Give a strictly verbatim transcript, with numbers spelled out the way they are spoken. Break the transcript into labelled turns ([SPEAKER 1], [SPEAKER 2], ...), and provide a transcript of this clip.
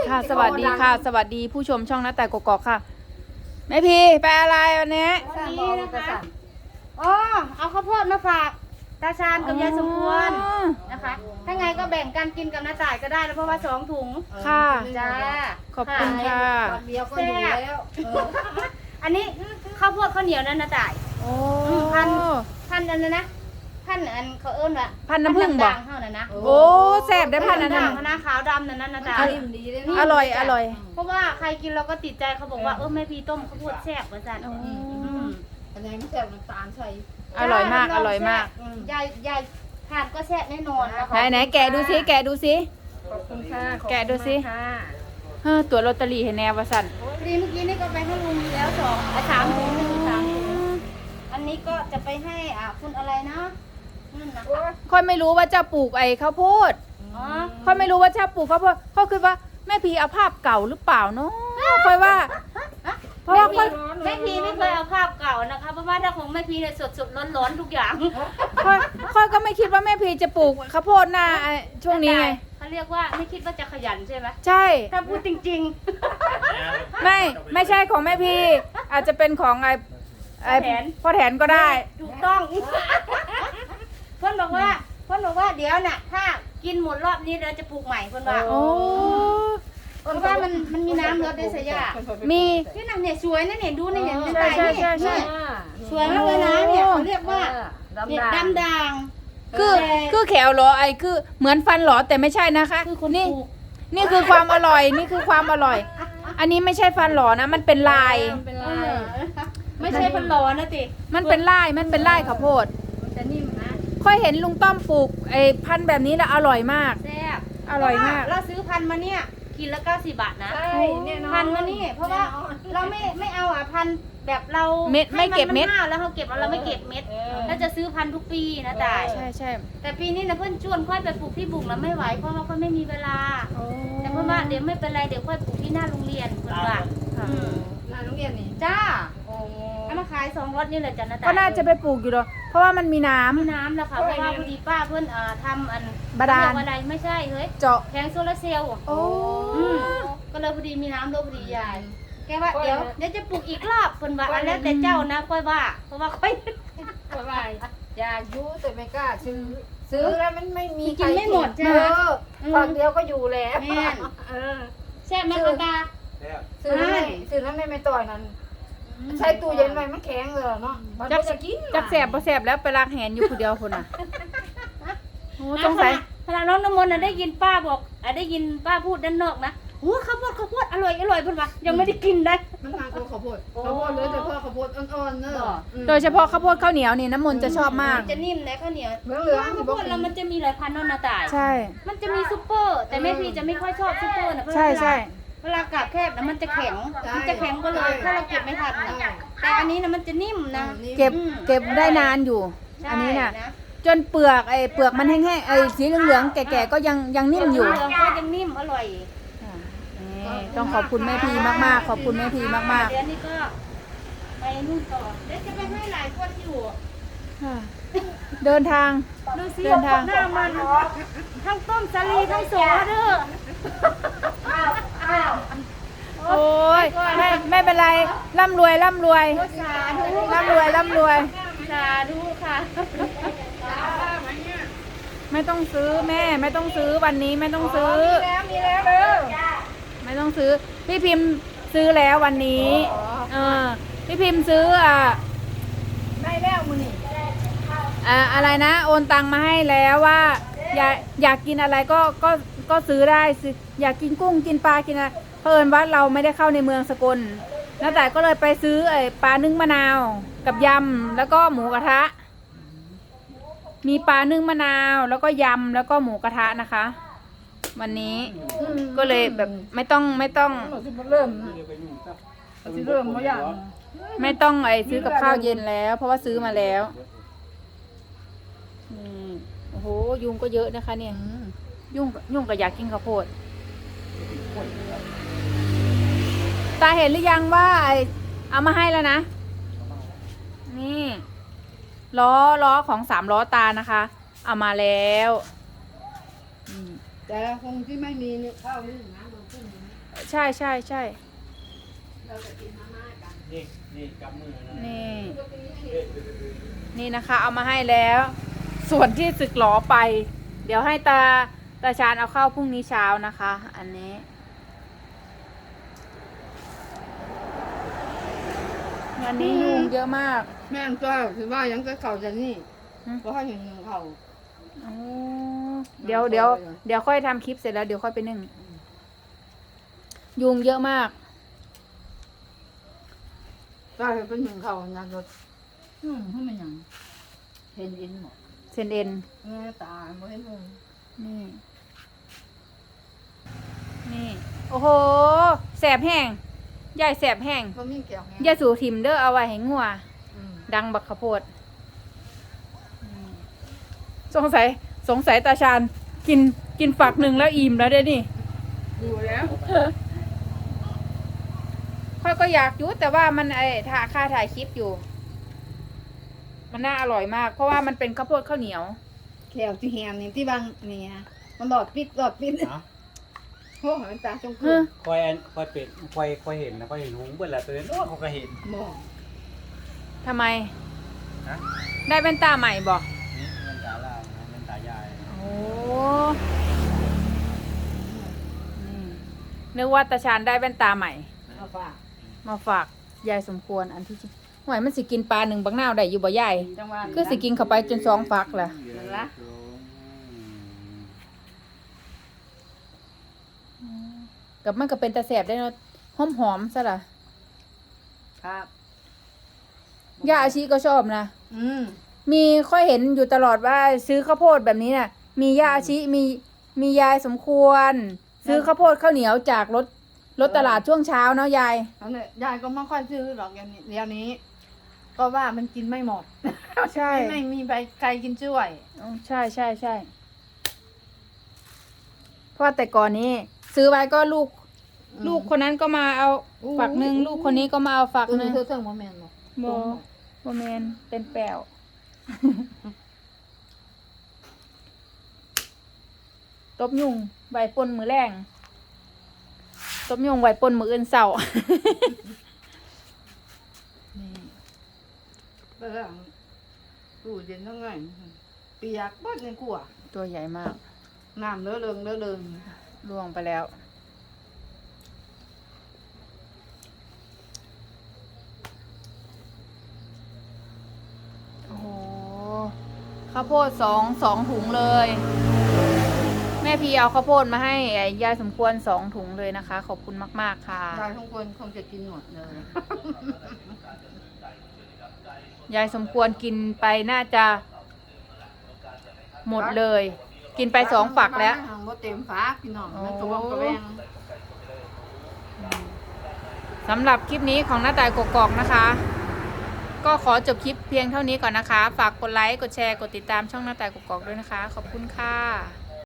[SPEAKER 1] ค่ะสวัสดีค่ะ สวัสดีผู้ชมช่องหน้าแต่กกอกค่ะแม่พีไปอะไรวันนี้
[SPEAKER 2] วันนี้นะคะอ๋อเอาข้าวโพดมาฝากตาชาญกับยายสมควรนะคะ ถ้าไงก็แบ่งกันกินกับน้าจ่ายก็ได้แล้วเพราะว่าสองถุง
[SPEAKER 1] ค่ะ
[SPEAKER 2] จ้า
[SPEAKER 1] ขอบคุณค่ะ
[SPEAKER 3] วันเดียวก็อยู่แล้วเออ
[SPEAKER 2] อันนี้ข้าวโพดข้าวเหนียวนั่นน้าจ่าย
[SPEAKER 1] โอ้
[SPEAKER 2] พันพันอันนั้นนะพันอันเขาเอิ้นว่า
[SPEAKER 1] พันน้ำผึ้งบ่
[SPEAKER 2] ด่างๆเท่านั้นนะ
[SPEAKER 1] โอ้แซ่บได้พันนั้น
[SPEAKER 2] ด่า
[SPEAKER 1] น่ะ
[SPEAKER 2] งคณะขาวดำนั่นนะน้าจ่าย
[SPEAKER 3] นิ่มดีเลย
[SPEAKER 1] อร่อยอร่อย
[SPEAKER 2] เพราะว่าใครกินเราก็ติดใจเขาบอกว่าเออแม่พีต้มข้าวโพดแซ่บว่าจัน
[SPEAKER 1] โอ้
[SPEAKER 2] อืม
[SPEAKER 3] อันนี้ไม่ใส่น้ำตาลใส่
[SPEAKER 1] อร่อยมากอร่อยมาก
[SPEAKER 2] ยายยายทานก็แซ่บแน่นอนนะคะ
[SPEAKER 1] ไหนไหนแกะดูสิแกะดูสิ
[SPEAKER 3] ขอบคุณค่ะ
[SPEAKER 1] แกะดูสิ เฮ้อตัวลอตเตอรี่ให้แนวว่าสั่น
[SPEAKER 2] พอดีเมื่อกี้นี่ก็ไปให้ลุงแล้วสองอ่ะสามถุงหนึ่งสามถุงอันนี้ก็จะไปให้อ่ะคุณอะไรนะนั่นนะ
[SPEAKER 1] ค่อยไม่รู้ว่าเจ้าปลูกไอ้ข้าวโพด
[SPEAKER 2] อ๋อ
[SPEAKER 1] ค่อยไม่รู้ว่าเจ้าปลูกข้าวโพดค่อยคิดว่าแม่พีเอาภาพเก่าหรือเปล่าเนาะค่อยว่า เพราะว่าค่อย
[SPEAKER 2] แม่พีไม่เคยเอาภาพเก่านะคะเพราะว่าถ้าของแม่พีเนี่ยสดสดร้อนร้อนๆทุกอย่าง
[SPEAKER 1] ค่อยค่อยก็ไม่คิดว่าแม่พีจะปลูกข้าวโพดหน้าไอ้ช่วงนี้ไง
[SPEAKER 2] เขาเรียกว่าไม่คิดว่าจะขยันใช่ไหม
[SPEAKER 1] ใช่
[SPEAKER 2] ถ้าพูดจริง
[SPEAKER 1] ไม่ไม่ใช่ของแม่พีอาจจะเป็นของไอ้ไอ้
[SPEAKER 2] พ่อแถน
[SPEAKER 1] พ่อแถนก็
[SPEAKER 2] ๆ
[SPEAKER 1] ได้
[SPEAKER 2] ถูกต้อง เพื่อนบอกว่าเพื่อนบอกว่าเดี๋ยวน่ะ ถ้ากินหมดรอบนี้เราจะปลูกใหม่เพื่อนว่า
[SPEAKER 1] โอ้
[SPEAKER 2] เพราะว่ามันมันมีน้ำลดด้วยสยา
[SPEAKER 1] มี
[SPEAKER 2] ที่นั่นเนี่ยสวยนะเนี่ยดูนี่เนี่ยเป็น
[SPEAKER 1] ใช่
[SPEAKER 2] ไต่
[SPEAKER 1] ใช่
[SPEAKER 2] นี่
[SPEAKER 1] ใช่ใช่
[SPEAKER 2] สวยมากเลยนะเนี่ยเขาเรียกว่า
[SPEAKER 3] ดำ
[SPEAKER 2] เนี่ย
[SPEAKER 3] ดำ
[SPEAKER 2] ดำด่าง
[SPEAKER 1] คือคือแขวเหรอไอ้คือเหมือนฟันเหรอแต่ไม่ใช่นะคะ
[SPEAKER 2] คือคน
[SPEAKER 1] นี่
[SPEAKER 2] ปลูก
[SPEAKER 1] นี่คือความอร่อยนี่คือความอร่อย อันนี้ไม่ใช่ฟันเหรอนะมันเป็นลาย
[SPEAKER 3] เป็น
[SPEAKER 2] เอ
[SPEAKER 3] ลาย
[SPEAKER 2] อไม่ใช่พันล้อนะติ
[SPEAKER 1] มันเป็นลายมันเป็นลายข้าวโพด
[SPEAKER 2] มันจะนิ่มนะ
[SPEAKER 1] ค่อยเห็นลุงต้อมปลูกไอ้พันธุ์แบบนี้แล้วอร่อยมาก
[SPEAKER 2] แซ่บ
[SPEAKER 1] อร่อยมาก
[SPEAKER 2] เราซื้อพันธุ์มาเนี่ยกินละเก้าสิบบาทนะ
[SPEAKER 3] ใช่แน่นอน
[SPEAKER 2] พันธุ์มานี่เพราะว่าเราไม่ไม่เอาอ่ะพันธุ์แบบเรา
[SPEAKER 1] เม็ดไม่เก็บเม็ด
[SPEAKER 2] ให้นห้าวแล้วเราเก็บแล้วเราไม่เก็บเม็ดแล้วจะซื้อพันธุ์ทุกปีนะจ่าย
[SPEAKER 1] ใช่ใช่
[SPEAKER 2] แต่ปีนี้นะเพื่อนชวนค่อยไปปลูกที่บุกแล้วไม่ไหวเพราะว่าค่อยไม่มีเวลา แต่เพื่อนว่าเดี๋ยวไม่เป็นไรเดี๋ยวค่อยปลูกที่หน้าโรงเรียนเพื่อนว่าอืม
[SPEAKER 3] งานโรงเรียนนี่
[SPEAKER 2] จ้า
[SPEAKER 3] โอ้
[SPEAKER 2] เอามาขายสองรถนี่แหละจ้ะนะจ๊ะ
[SPEAKER 1] ก็น่าจะไปปลูกอยู่หรอกเพราะว่ามันมีน้ำ
[SPEAKER 2] มีน้ำแล้วค่ะเพราะว่าพอดีป้าเพื่อนอ่าทำอัน
[SPEAKER 1] บาดาล
[SPEAKER 2] เขเรียกว่อะไรไม่ใช่เฮ้ย
[SPEAKER 1] เจาะ
[SPEAKER 2] แผงโซลาร์เซลล์
[SPEAKER 1] โอ้
[SPEAKER 2] อืมก็เลยพอดีมีน้ำรถพอดียายแกว่าเดี๋ยวเดี๋ยวจะปลูกอีกรอบเพิ่นว่าอันแล้วแต่เจ้านะค่อยว่าเพราะว่าค่อย
[SPEAKER 3] ก็ว่าอยากอยู่แต่ไม่กล้าซื้อ ซื้อแล้วมันไม่มี
[SPEAKER 2] กินไม่หมดใช่ไหม
[SPEAKER 3] เออฝั่งเดียวก็อยู่แล้ว
[SPEAKER 2] แม่น
[SPEAKER 3] เออ
[SPEAKER 2] แซ่บไหมคะตา
[SPEAKER 3] ซื้อแล้วไม่ซื้อแล้วไม่ไม่ต่อยนั้นใช้ตู้เย็นไว้มันแข็งเลยเนาะมัน
[SPEAKER 1] จัก
[SPEAKER 3] ก็จะกิน
[SPEAKER 1] จักแสบบ่แสบแล้วไปล้างแหนอยู่ผู้เดียวคนน่ะโอ้สงสัย
[SPEAKER 2] ขณะน้องน้ำมนต์น่ะได้ยินป้าบอกอ่ะได้ยินป้าพูดด้านนอกนะโอ้ข้าวโพดข้าวโพดอร่อยอร่อยเพิ่นว่ายังไม่ได้กินได้
[SPEAKER 3] มันทานกับข้าวโพดข้าวโพดเลยแต่พ่อข้าวโพดอ่อนๆเนอะ
[SPEAKER 1] โดยเฉพาะข้าวโพดข้าวเหนียวนี่น้ำมนต์จะชอบมาก
[SPEAKER 2] นจะนิ่มนะข้าวเหนียว
[SPEAKER 3] เหลืองๆ
[SPEAKER 2] ข้าวโพดแล้วมันจะมีหลายพันธุ์เนอะนาตาย
[SPEAKER 1] ใช่
[SPEAKER 2] มันจะมีซุปเปอร์ แต่แม่พีจะไม่ค่อยชอบซุปเปอร์นะเพราะ
[SPEAKER 1] ใช่
[SPEAKER 2] เวลา
[SPEAKER 1] ใช่
[SPEAKER 2] เวลากาบแคบนะมันจะแข็ง มันจะแข็งก็เลยถ้าเราเก็บไม่ทันนะแต่อันนี้นะมันจะนิ่มนะ
[SPEAKER 1] เก็บ
[SPEAKER 2] อืม
[SPEAKER 1] เก็บได้นานอยู่
[SPEAKER 2] ใช่
[SPEAKER 1] อันนี้น่ะ จนเปลือกไอ้เปลือกมันแห้งๆไอ้สีเหลืองๆแก่ๆก็ยังยังนิ่มอยู่
[SPEAKER 2] เหลืองก็ยังนิ่มอร่อย
[SPEAKER 1] นี่ต้องขอบคุณแม่พีมากๆ ขอบคุณแม่พีมาก
[SPEAKER 2] เดี๋ยวนี้ก็ไปนู่นต่อเดี๋ยวจะไปให้หลายคนอยู่
[SPEAKER 1] ๆค่ะเดินทาง
[SPEAKER 2] ดูสิ
[SPEAKER 1] เดินทาง
[SPEAKER 2] หน้ามันทั้งต้มสาลีทั้งโสเด้อ
[SPEAKER 1] โอ้ยไม่ไม่เป็นไรร่ำรวยร่ำรวย
[SPEAKER 2] สาธุ
[SPEAKER 1] ร่ำรวยร่ำรวย
[SPEAKER 2] สาธุค่ะ
[SPEAKER 1] ไม่ต้องซื้อแม่ไม่ต้องซื้อวันนี้ไม่ต้องซื้อ
[SPEAKER 3] แล้วมีแล้วเด้อ
[SPEAKER 1] ไม่ต้องซื้อ พี่พิมพ์ซื้อแล้ววันนี้เออพี่พิมพ์ซื้ออ่ะ
[SPEAKER 3] ได้แล้วมื้อนี้
[SPEAKER 1] อ่าอะไรนะ โอนตังมาให้แล้วว่า อยากอยากกินอะไรก็ก็ก็ซื้อได้ซื้ออยากกินกุ้งกินปลากินอะไรเพิ่นว่าเราไม่ได้เข้าในเมืองสกลแล้วแต่ก็เลยไปซื้อไอ้ปลานึ่งมะนาวกับยำแล้วก็หมูกระทะ มีปลานึ่งมะนาวแล้วก็ยำแล้วก็หมูกระทะนะคะ วันนี้ก็เลยแบบไม่ต้องไม่ต้อง
[SPEAKER 3] เราสิเริ่มเราสิเริ่มบ่อย่าง
[SPEAKER 1] ไม่ต้องไอ้ซื้อกับข้าวเย็นแล้ว เพราะว่าซื้อมาแล้วนี่โอ้โหยุงก็เยอะนะคะ เนี่ยยุ่งยุ่งก็อยากกินข้าวโพดตาเห็นหรือยังว่าไอเอามาให้แล้วนะนี่ล้อล้อของสามล้อตานะคะ เอามาแล้วอืม
[SPEAKER 3] แต่คงที่ไม่มีข้าวนี่นะโดนขึ้น
[SPEAKER 1] ใช่ใช่ใช่
[SPEAKER 4] นี่นี่กำมือนะ
[SPEAKER 1] นี่ นี่นะคะ เอามาให้แล้ว ส่วนที่สึกหลอไป เดี๋ยวให้ตาตาชาญเอาเข้าพรุ่งนี้เช้านะคะ อันนี้วันนี้ยุงเยอะมาก
[SPEAKER 3] แม่นก็คือว่ายังก็เขาจะนี่
[SPEAKER 1] ฮะ
[SPEAKER 3] เพราะเขาเห็นเขา
[SPEAKER 1] อ๋อเดี๋ยวเดี๋ยวเดี๋ยวค่อยทำคลิปเสร็จแล้วเดี๋ยวค่อยไปนึ่งยุงเยอะมาก
[SPEAKER 3] ก็เป็นหนึ่งเขางานรถอืมเขาไม่ยังเห็นเอ็นหมด
[SPEAKER 1] เซนเอ็น
[SPEAKER 3] แม่ตาไม่เห็นเลย
[SPEAKER 1] นี่ นี่ โอ้โห แสบแห้งยายแสบแห้ง
[SPEAKER 3] ก็มีเกี่ยวไง
[SPEAKER 1] ยายสูทิมเด้อเอาไว้ให้งัว
[SPEAKER 3] อืม
[SPEAKER 1] ดังบักขะโพดอืมสงสัย สงสัยตาชาญกินกินฝักหนึ่งแล้วอิ่มแล้วเด้นี่
[SPEAKER 3] ดูแล้ว
[SPEAKER 1] ค่อยก็อยากอยุแต่ว่ามันไอ้ถ่าค่าถ่ายคลิปอยู่ มันน่าอร่อยมาก เพราะว่ามันเป็นข้าวโพดข้าวเหนียว
[SPEAKER 3] แขวที่แฮมนี่ที่บางนี่นะมันหลอดปิดหลอดปิด
[SPEAKER 4] เนาะ
[SPEAKER 3] โอ้มันตาจง
[SPEAKER 1] เฮ้
[SPEAKER 3] คื
[SPEAKER 1] ย
[SPEAKER 3] น
[SPEAKER 4] คอยอันคอยเป็ดคอยคอยเห็นนะคอยเห็นหุงเบิ่นละตัวนั้นโอ้เขาก็เห็น
[SPEAKER 3] บอก
[SPEAKER 1] ทำไม
[SPEAKER 4] นะ
[SPEAKER 1] ได้แว่นตาใหม่บอก
[SPEAKER 4] นี่เงินตาล่างนะเงินตายาย
[SPEAKER 1] โอ้นี่นึกว่าตาชาญได้แว่นตาใหม่
[SPEAKER 3] เอาป่ะ
[SPEAKER 1] มาฝากยายสมควรอันที่จริงหวยมันสิกินปลาหนึ่งบักนาวได้อยู่บ่ยาย
[SPEAKER 3] จังหวะ
[SPEAKER 1] คือสิกินเข้าไปจนสองฝักแหละ
[SPEAKER 3] นั่นละ
[SPEAKER 1] กับมันก็เป็นตาแสบได้เนาะหอมหอมๆซะล่ะ
[SPEAKER 3] ครับ
[SPEAKER 1] ย่าอาชีก็ชอบนะ
[SPEAKER 3] อืม
[SPEAKER 1] มีค่อยเห็นอยู่ตลอดว่าซื้อข้าวโพดแบบนี้น่ะ มีย่าอาชีมีมียายสมควร ซื้อข้าวโพดข้าวเหนียวจากรถรถตลาดช่วงเช้าเนาะยาย
[SPEAKER 3] แล้วเนี่ยยายก็ไม่ค่อยซื้อหรอกอย่างนี้เดี๋ยวนี้ ก็ว่ามันกินไม่หมด
[SPEAKER 1] ใช่
[SPEAKER 3] ไม่มีใบไก่กินช่วย
[SPEAKER 1] อ๋อใช่ใช่ใช่เพราะว่าแต่ก่อนนี้ ซื้อไว้ก็ลูก
[SPEAKER 3] อืม
[SPEAKER 1] ลูกคนนั้นก็มาเอา
[SPEAKER 3] อู้
[SPEAKER 1] ฝักหนึ่งลูกคนนี้ก็มาเอาฝัก
[SPEAKER 3] ตัว
[SPEAKER 1] หนึ่
[SPEAKER 3] นี้
[SPEAKER 1] ง
[SPEAKER 3] เธอเทิงโมเมนต์หรอก
[SPEAKER 1] โบโบเมนเป็นแป้ว ตบยุงใบปนมือแรงตบยุงใบปนมืออื่นเสา นี่
[SPEAKER 3] เบื้องตู้เย็นทั้งไงเปียกบดในขัว
[SPEAKER 1] ตัวใหญ่มาก
[SPEAKER 3] น้ำเลอะเลิงเลอะเลิง
[SPEAKER 1] ล่วงไปแล้ว โอ้โห ข้าวโพดสองสองถุงเลย แม่พีเอาข้าวโพดมาให้ไอ้ยายสมควรสองถุงเลยนะคะ ขอบคุณมาก ๆ ค่ะ
[SPEAKER 3] ยายทุกคนคงจะกินหมดเลย
[SPEAKER 1] ยายสมควรกินไปน่าจะหมดเลย กินไปสองฝักแล้ว
[SPEAKER 3] บ่เต็มฝาพี่น้องมันกระวงกระแวง
[SPEAKER 1] สำหรับคลิปนี้ของหน้าต่ายกกอกนะคะ ก็ขอจบคลิปเพียงเท่านี้ก่อนนะคะ ฝากกดไลค์ กดแชร์ กดติดตามช่องหน้าต่ายกกอกด้วยนะคะ ขอบคุณค่ะ